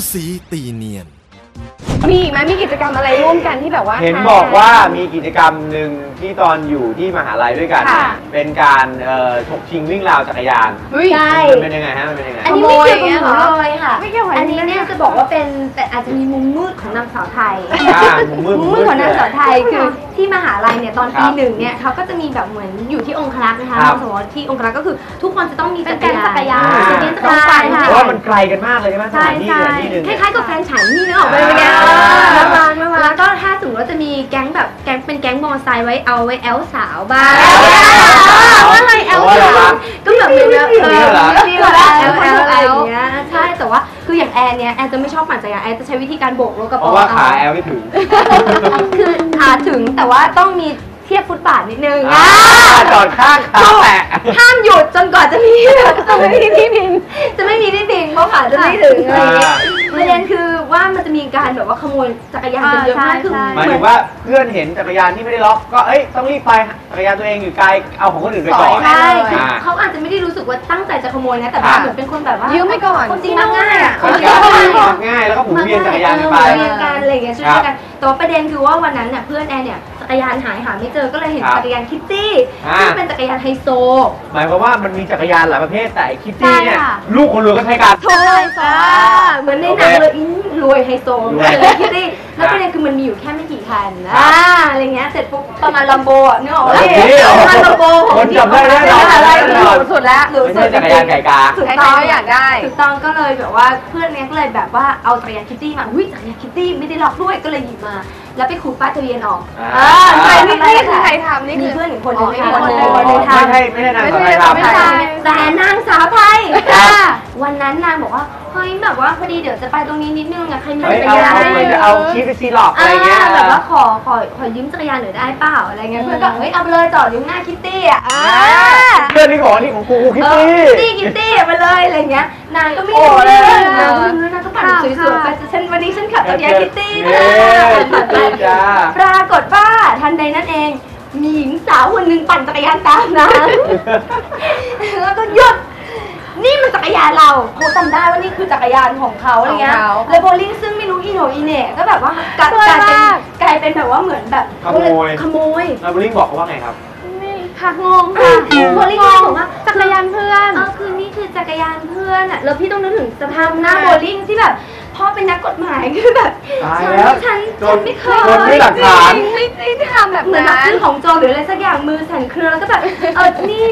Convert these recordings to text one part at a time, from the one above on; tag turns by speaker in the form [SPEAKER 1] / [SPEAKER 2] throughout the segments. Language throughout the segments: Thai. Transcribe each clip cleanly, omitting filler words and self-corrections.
[SPEAKER 1] สีตีเนียน
[SPEAKER 2] มีอีกไหมมีกิจกรรมอะไรร่วมกันที่แบบว่า
[SPEAKER 3] เห็นบอกว่ามีกิจกรรมหนึ่งที่ตอนอยู่ที่มหาลัยด้วยกันเป็นการถกชิงวิ่งราวจักรยาน
[SPEAKER 2] ใช่
[SPEAKER 3] มันเป็นยังไงฮะมันเป็นยังไง
[SPEAKER 2] อันนี้ไม่เกี่ยวกับหนูเลยค่ะ
[SPEAKER 4] อันนี้เนี่ยจะบอกว่าเป็นแต่อาจจะมีมุมมืดของนางสาวไทย
[SPEAKER 3] มุมมืด
[SPEAKER 4] ของนางสาวไทยคือที่มหาลัยเนี่ยตอนปีหนึ่งเนี่ยเขาก็จะมีแบบเหมือนอยู่ที่องครักษ์นะคะสมมติที่องครักษ์ก็คือทุกคนจะต้องมีจักรยาน
[SPEAKER 3] เพราะว่ามันไกลกันมากเลยใช่ไหมสถานที่ที่หนึ่ง
[SPEAKER 4] คล้ายๆกับแฟนฉันนี่นึกออกไหมเนี่ยแล้วก็ถ้าสมมติว่าจะมีแก๊งแบบแก๊งเป็นแก๊งมอไซค์ไว้เอาไว้แอลสาวบ้างว่าอะไรแอลสาวก็แบบเหมือนแอลอะไรอย่างเงี้ยใช่แต่ว่าคืออย่างแอนเนี่ยแอนจะไม่ชอบปั่นจักรยานแอนจะใช้วิธีการโบกรถกระป๋อง
[SPEAKER 3] เพราะว่าขาแอลไม่ถึง
[SPEAKER 4] คือถึงแต่ว่าต้องมีเทียบฟุตบาทนิดนึง
[SPEAKER 3] จอดข้างขาแตะ
[SPEAKER 4] ห้ามหยุดจนกว่าจะมีที่พิงจะไม่มีที่พิงเพราะขาจะไม่ถึงอะไรอย่างเงี้ยประเด็นคือว่ามันจะมีการแบบว่าขโมยจักรยานกันเยอะมากคือ
[SPEAKER 3] หมายถึงว่าเพื่อนเห็นจักรยานที่ไม่ได้ล็อกก็ต้องรีบไปจักรยานตัวเองอยู่ไกลเอาของคนอื่นไปก่อน
[SPEAKER 4] ใช่เขาอาจจะไม่ได้รู้สึกว่าตั้งใจจะขโมยนะแต่เหมือนเป็นคนแบบว่า
[SPEAKER 2] ยืมไปก่อน
[SPEAKER 4] คนจริงมักง่าย
[SPEAKER 3] ง่ายแล้วก็หมุนเวียนจักรยานไป
[SPEAKER 4] เวียนกันอะไรอย่างเงี้ยช่วยกันแต่ประเด็นคือว่าวันนั้นเนี่ยเพื่อนแอนเนี่ยจักรยานหาไม่เจอก็เลยเห็นจักรยานคิตตี้ซึ่งเป็นจักรยานไฮโซ
[SPEAKER 3] หมายความว่ามันมีจักรยานหลายประเภทแต่คิตตี้เนี่ยลูกคนรวยก็ใช้กัน
[SPEAKER 4] โถ่เหมือนในหนังเลยรวยไฮโซเลยคิตตี้แล้วประเด็นคือมันมีอยู่แค่ไม่กี่คันอะไรเงี้ยเสร็จปุ๊บประมาณลัมโบอ่ะนึกออกไหมประมาณลัมโบ
[SPEAKER 3] คนจำได้แน่นอน
[SPEAKER 4] สุดแล้ว
[SPEAKER 3] ไม่ใช่จักรยานไก่กา
[SPEAKER 4] ถูกต้องอยากได้ถูกต้องก็เลยแบบว่าเพื่อนเนี้ยก็เลยแบบว่าเอาจักรยานคิตตี้มาจักรยานคิตตี้ไม่ได้ล็อกด้วยก็เลยหยิบมาแล้วไปขูดป้ายทะเบียนออก
[SPEAKER 2] ใครนี่คือใครทำนี่
[SPEAKER 4] มีเพื่อนอีกคนนึง
[SPEAKER 3] ไม่ใช่นางสาวไทยทำ
[SPEAKER 4] แต่นางสาวไทยวันนั้นนางบอกว่าเฮ้ยแบบว่าพอดีเดี๋ยวจะไปตรงนี้นิดนึงอะใครมีจักรยาน
[SPEAKER 3] จะเอาชีฟไปซีหลอกอะไรเงี้ย
[SPEAKER 4] แบบว่าขอยืมจักรยานหน่อยได้เปล่าอะไรเงี้ยเพื่อนก็เฮ้ยเอาไปเลยจอดอยู่หน้าคิตตี้อะ
[SPEAKER 3] เพื่อนนี่ของนี่ของกูคิต
[SPEAKER 4] ตี้ไปเลยอะไรเงี้ยนางก็ไม่รู้เลยนางก็ปั่นสวยๆไปวันนี้ฉันขับจักรยานคิตตี้ปรากฏว่าทันใดนั้นเองมีหญิงสาวคนหนึ่งปั่นจักรยานตามนางแล้วก็หยุดนี่มันจักรยานเราเขาจำได้ว่านี่คือจักรยานของเขาอะไรเงี้ยเลยโบลิ่งซึ่งไม่รู้อีโหนอีเน่ก็แบบว่ากลายเป็นแบบว่าเหมือนแบบขโมย
[SPEAKER 3] แล้วโบลิ่งบอกเขาว่าไงครับ
[SPEAKER 4] ค่ะงงค่ะโบลิ่งบอกว่า
[SPEAKER 2] จักรยานเพื่อน
[SPEAKER 4] คือนี่คือจักรยานเพื่อนอ่ะแล้วพี่ต้องนึกถึงสภาพหน้าโบลิ่งที่แบบพ่อเป็นนักกฎหมายคือแบบฉันไม่เคย
[SPEAKER 3] ไม่หลักฐาน
[SPEAKER 4] ไม่ทำแบบเหมือนซื้อของโจรหรืออะไรสักอย่างมือสั่นเครือแล้วก็แบบนี่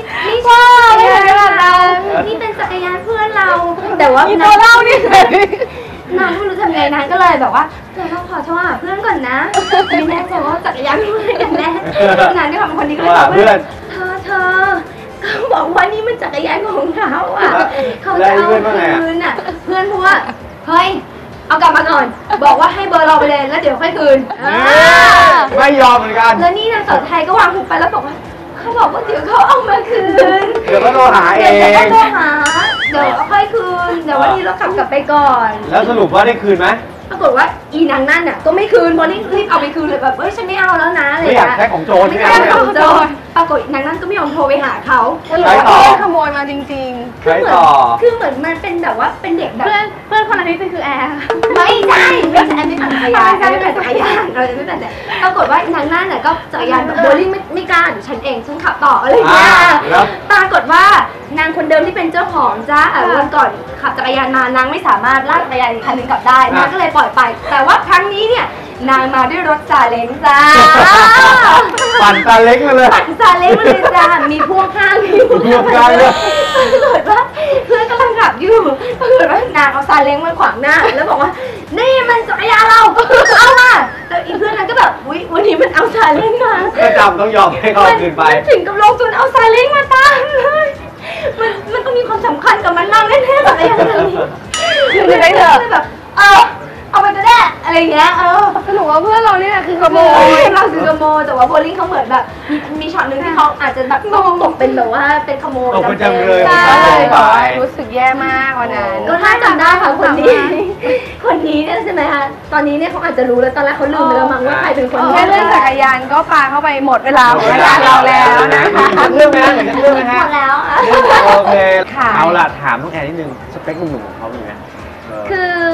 [SPEAKER 4] นี่เป็นจักรยานเพื่อนเราแต่ว่า
[SPEAKER 2] มีตัวเล่านี่
[SPEAKER 4] นางไม่รู้ทำไงนางก็เลยแบบว่าเราขอโทรหาเพื่อนก่อนนะไม่แน่ใจว่าจักรยานเพื่อนกันแน่นางด้วยความคนนี้ก็เลยบอกเพื่อนเธอเขาบอกว่านี่มันจักรยานของเขาอ่ะเขาจะเอาคืนอ่ะเพื่อนพูดว่าเฮ้ยเอากลับมาก่อนบอกว่าให้เบอร์เราไปเลยแล้วเดี๋ยวค่อยคืน
[SPEAKER 3] ไม่ยอมเหมือนกัน
[SPEAKER 4] แล้วนี่นางสาวไทยก็วางหูไปแล้วบอกว่าเขาบอกว่าเดี๋ยวเขาเอามาคืน
[SPEAKER 3] เดี๋ยวก็โทรหาเอง
[SPEAKER 4] เดี๋ยวค่อยคืนเดี๋ยววันนี้เราขับกลับไปก่อน
[SPEAKER 3] แล้วสรุปว่าได้คืนไหม
[SPEAKER 4] ปรากฏว่าอีนางนั่นน่ะก็ไม่คืนพอรีบเอาไปคืนเลยแบบฉันไม่เอาแล้วนะอะไร
[SPEAKER 3] ไม่อยากใช้ของโจร
[SPEAKER 4] ไม่ใช่ของโจรปรากฏนางนั่นก็ไม่ยอมโทรไปหาเขา
[SPEAKER 2] ใช้ต่อขโมยมาจริง
[SPEAKER 3] ๆคือ
[SPEAKER 4] เหมือนมันเป็นแบบว่าเป็นเด็กแบบ
[SPEAKER 2] เพื่อนคนนั้นนี่คือแอร์
[SPEAKER 4] ไม่ใช่แอนไม่ปั่นจักรยานเราจะไม่ปั่นแต่ปรากฏว่านางนั่นน่ะก็จักรยานแบบโบลิ่งไม่กล้าเดี๋ยวฉันเองฉันขับต่ออะไรอย่างเงี้ยปรากฏว่านางคนเดิมที่เป็นเจ้าของจ้าวันก่อนขับจักรยานมานางไม่สามารถลากจักรยานอีกคันนึงกลับได้นางก็เลยปล่อยไปแต่ว่าครั้งนี้เนี่ยนางมาด้วยรถซาเล้งจ้า
[SPEAKER 3] ปั่นซาเล้งมาเลย
[SPEAKER 4] จ้ามีพ่วงข้าง
[SPEAKER 3] พ่วงข้างเลย
[SPEAKER 4] ปรากฏว่าเพื่อนกำลังขับอยู่ปรากฏว่านางเอาซาเล้งมาขวางหน้าแล้วบอกว่านี่มันจักรยานเราเอามาแต่อีเพื่อนนั้นก็แบบวันนี้มันเอาซาเล้งมา
[SPEAKER 3] ก็จำต้องยอมให้เขาคืนไป
[SPEAKER 4] ถึงกับลงทุนเอาซาเล้งมาตั้งเลยมันต้องมีความสำคัญกับมันมากแน่ๆจักรยานนี้
[SPEAKER 2] คือได้เถอะ
[SPEAKER 4] แบบเอาไปก็ได้อะไรเงี้ย
[SPEAKER 2] หนูว่าเพื่อนเราเนี่ยคือขโมย
[SPEAKER 4] เราคือขโมยแต่ว่าโบลิ่งเขาเหมือนแบบมีช็อตนึงที่เขาอาจจะแบบตกเป็นแบบว่าเป็นขโมย
[SPEAKER 3] จำเลย
[SPEAKER 2] ใช่รู้สึกแย่มากวันนั้น
[SPEAKER 4] ก็ถ้าจำได้ค่ะคนนี้เนี่ยใช่ไหมคะตอนนี้เนี่ยเขาอาจจะรู้แล้วตอนแรกเขาลืมไปแล้วมั้งว่าใครเป็นคน
[SPEAKER 2] แค่เรื่องจักรยานก็ปาเข้าไปหมดเวลาของรายการเราแล้วนะคะ
[SPEAKER 3] เรื่องไหมฮะเรื่องไหมฮะ
[SPEAKER 4] หมดแล้ว
[SPEAKER 3] โอเคเอาล่ะถามน้องแอนนิดนึงสเปคหนุ่มๆของเขามีไหม
[SPEAKER 4] คือ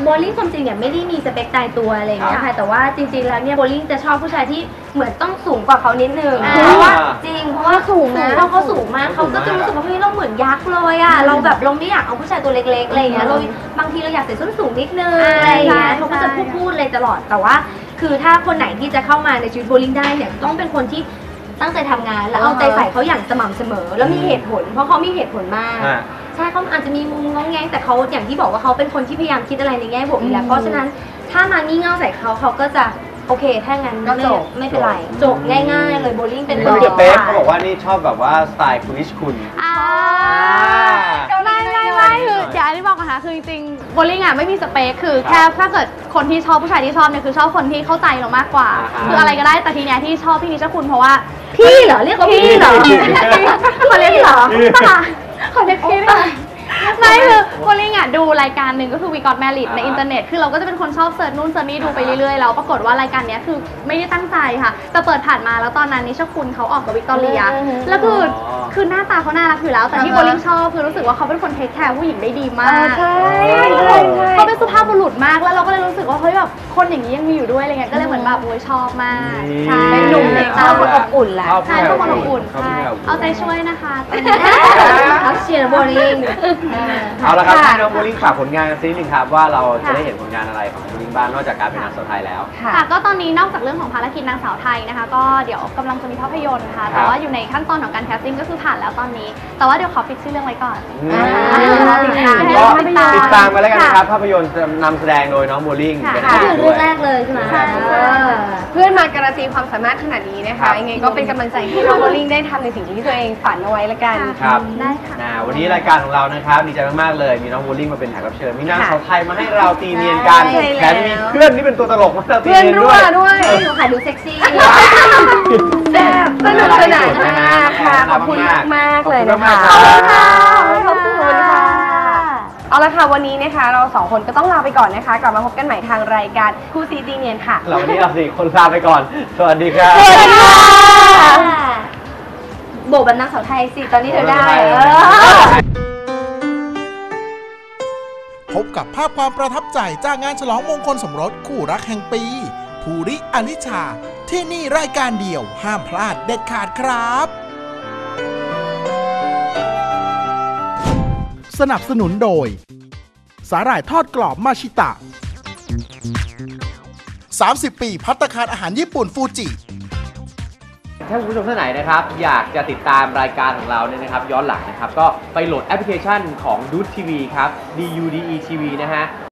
[SPEAKER 4] โบลิ่งความจริงเนี่ยไม่ได้มีสเปคตายตัวอะไรอย่างเงี้ยค่ะแต่ว่าจริงๆแล้วเนี่ยโบลิ่งจะชอบผู้ชายที่เหมือนต้องสูงกว่าเขานิดนึงเพราะว่าจริงเพราะว่าสูงนะเขาสูงมากเขาก็จะรู้สึกว่าเฮ้ยเราเหมือนยักษ์เลยอ่ะเราแบบเราไม่อยากเอาผู้ชายตัวเล็กๆอะไรอย่างเงี้ยเราบางทีเราอยากใส่ส้นสูงนิดนึงอะไรอย่างเงี้ยเขาก็จะพูดเลยตลอดแต่ว่าคือถ้าคนไหนที่จะเข้ามาในชีวิตโบลิ่งได้เนี่ยต้องเป็นคนที่ตั้งใจทำงานแล้วเอาใจใส่เขาอย่างสม่ำเสมอแล้วมีเหตุผลเพราะเขามีเหตุผลมากใช่เขาอาจจะมีมุมงงแงงแต่เขาอย่างที่บอกว่าเขาเป็นคนที่พยายามคิดอะไรในแง่บวกอยู่แล้วเพราะฉะนั้นถ้ามางี่เง่าใส่เขาก็จะโอเคถ้างั้นไม่เป็นไรจบง่ายๆเลยโบลิ่งเป็น
[SPEAKER 3] คนเด็กเขาบอกว่านี่ชอบแบบว่าสไตล์คุณนิชคุณ
[SPEAKER 2] ไม่คืออย่าที่บอกนะคะคือจริงๆโบลิ่งอ่ะไม่มีสเปคคือแค่ถ้าเกิดคนที่ชอบผู้ชายที่ชอบเนี่ยคือชอบคนที่เข้าใจเรามากกว่าคืออะไรก็ได้แต่ทีเนี้ยที่ชอบพี่นิชคุณเพราะว่า
[SPEAKER 4] พี่เหรอเรียกว่าพี่เหรอ
[SPEAKER 2] ขอเรียกเหรอขอเรียกพี่ไม่คือโบลิ่งอ่ะดูรายการหนึ่งก็คือ We Got Married ในอินเทอร์เน็ตคือเราก็จะเป็นคนชอบเสิร์ชนู่นเสิร์ชนี่ดูไปเรื่อยๆแล้วปรากฏว่ารายการนี้คือไม่ได้ตั้งใจค่ะแต่เปิดผ่านมาแล้วตอนนั้นนิชคุณเขาออกกับวิกตอเรียแล้วคือหน้าตาเขาน่ารักอยู่แล้วแต่ที่โบลิ่งชอบคือรู้สึกว่าเขาเป็นคนเทคแคร์ผู้หญิงได้ดีมาก
[SPEAKER 4] ใช่
[SPEAKER 2] เขาเป็นสุภาพบุรุษมากแล้วเราก็เลยรู้สึกว่าเฮ้ยแบบคนอย่างนี้ยังมีอยู่ด้วยอะไรเงี้ยก็เลยเหมือนแบบโอ้ยชอบมากใช่เป็นหนุ่มเด็กชอบคนอบอุ่นแหละใช่ชอบคนอบอุ่นใช่เอาใจช่วยนะคะ
[SPEAKER 4] เขาเชียร์โบลิ่ง
[SPEAKER 3] เอาละครับให้น้องโบลิ่งฝากผลงานกันสักนิดนึงครับว่าเราจะได้เห็นผลงานอะไรของโบลิ่งบ้างนอกจากการเป็นนางสาวไทยแล้ว
[SPEAKER 2] ค่ะก็ตอนนี้นอกจากเรื่องของภารกิจนางสาวไทยนะคะก็เดี๋ยวกำลังจะมีภาพยนตร์ค่ะแต่ว่าอยู่ในขั้นตอนของการแคสติ้งก็คือผ่านแล้วตอนนี้แต่ว่าเดี๋ยวขอปิดชื่อเรื่องไว้ก่อน
[SPEAKER 3] ติดตามมาแล้วกันนะครับภาพยนตร์นำแสดงโดยน้องโบลิ่ง
[SPEAKER 4] เป็นเรื่องแรกเลยใช่ไหม
[SPEAKER 2] เพื่อนมาการันตีความสามารถขนาดนี้นะคะยังไงก็เป็นกำลังใจให้น้องโบลิ่งได้ทำในสิ่งที่ตัวเองฝันเอาไว้ละกัน
[SPEAKER 3] ครับ
[SPEAKER 2] ได้ค่ะ
[SPEAKER 3] วันนี้รายการของเรานะครับดีใจมากๆเลยมีน้องโบลิ่งมาเป็นแขกรับเชิญมีนางสาวไทยมาให้เราตีเนียนกันแถมมีเพื่อนที่เป็นตัวตลกมาตีเนียน
[SPEAKER 2] ด้วย
[SPEAKER 4] หนูขายดูเซ็กซี่
[SPEAKER 2] แซ่บสนุกสนานมากค่ะขอบคุณมากเลยนะคะขอบคุณค่ะเอาละค่ะวันนี้นะคะเราสองคนก็ต้องลาไปก่อนนะคะกลับมาพบกันใหม่ทางรายการคู่ซีตีเนียนค่ะ
[SPEAKER 3] วันนี้เราสี่คนลาไปก่อนสวัสดีครับ
[SPEAKER 4] โบกแบบนางสาวไทยสิตอนนี้เธอได้
[SPEAKER 1] พบกับภาพความประทับใจจากงานฉลองมงคลสมรสคู่รักแห่งปีภูริอลิชาที่นี่รายการเดียวห้ามพลาดเด็ดขาดครับสนับสนุนโดยสาหร่ายทอดกรอบมาชิตะ30 ปีภัตตาคารอาหารญี่ปุ่นฟูจิ
[SPEAKER 3] ถ้าคุณผู้ชมท่านไหนนะครับอยากจะติดตามรายการของเราเนี่ยนะครับย้อนหลังนะครับก็ไปโหลดแอปพลิเคชันของดูดทีวีครับ DUDE TV นะฮะ